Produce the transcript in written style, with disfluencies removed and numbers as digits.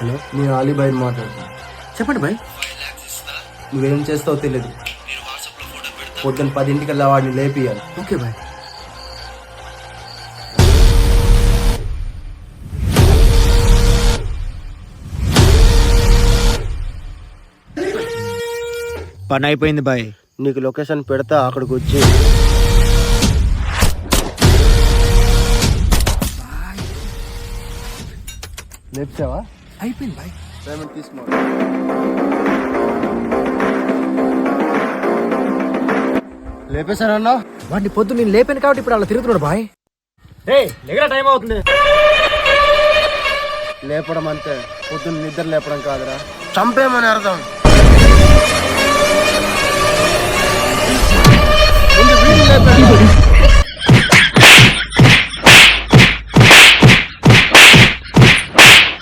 Hello, నేను అలీబాయిని మాట్లాడుతున్నా. చెప్పండి బాయ్. నువ్వేం చేస్తావో తెలియదు. పొద్దున్న 10 వాడిని లేపియాలి. Okay bye. పని అయిపోయింది బాయ్. నీకు లొకేషన్ పెడతా, అక్కడికి వచ్చి. లేపుతావా? అయిపోయింది బాయ్. పేమెంట్ తీసుకో. లేపేశానన్నా? వాడిని పొద్దు నేను లేపాను కాబట్టి ఇప్పుడు అలా తిరుగుతున్నాడు బాయ్. టైం అవుతుంది. లేపడం అంతే, పొద్దున్న నిద్ర లేపడం కాదురా, చంపేమని అర్థం. ముందు వీడిని లేపాడు.